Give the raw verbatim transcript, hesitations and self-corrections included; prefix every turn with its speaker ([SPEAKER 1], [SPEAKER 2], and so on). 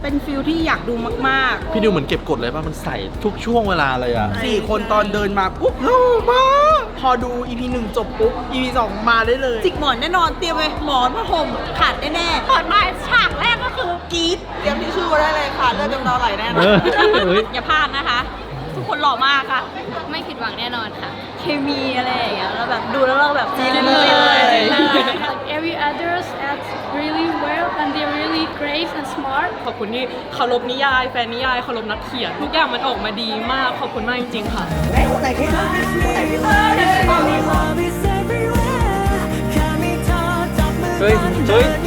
[SPEAKER 1] เป็นฟิลที่อยากดูมากๆ
[SPEAKER 2] พี่ดิวเหมือนเก็บกดเลยป่ะมันใส่ทุกช่วงเวลาเลยอ่ะ
[SPEAKER 1] สี่คนตอนเดินมาปุ๊บโล่มากพอดู อี พี หนึ่งจบปุ๊บ อี พี สองมาได้เลยจิกหมอนแน่นอนเตรียมไว้หมอนผ้าห่มขาดแน่ๆก่อนมาฉากแรกก็คือกรี๊ดเตรียมทิชชู่ได้เลยค่ะเลือดกำเดาไหลแน่นอน
[SPEAKER 3] อย่าพลาดนะคะ ทุกคนหล่อมากค่ะ ไม่ผิดหวังแน่นอนค่ะ เคมีอะไรอย่างเงี้ยแล้วแบบดูแล้วเราแบบจีนเลย
[SPEAKER 4] Every others act really well and they're really great and smart.
[SPEAKER 5] ขอบคุณที่เคารพนิยายแฟนนิยายเคารพนักเขียนทุกอย่างมันออกมาดีมากขอบคุณมากจริงๆค่ะ
[SPEAKER 2] เฮ้ย เฮ้ย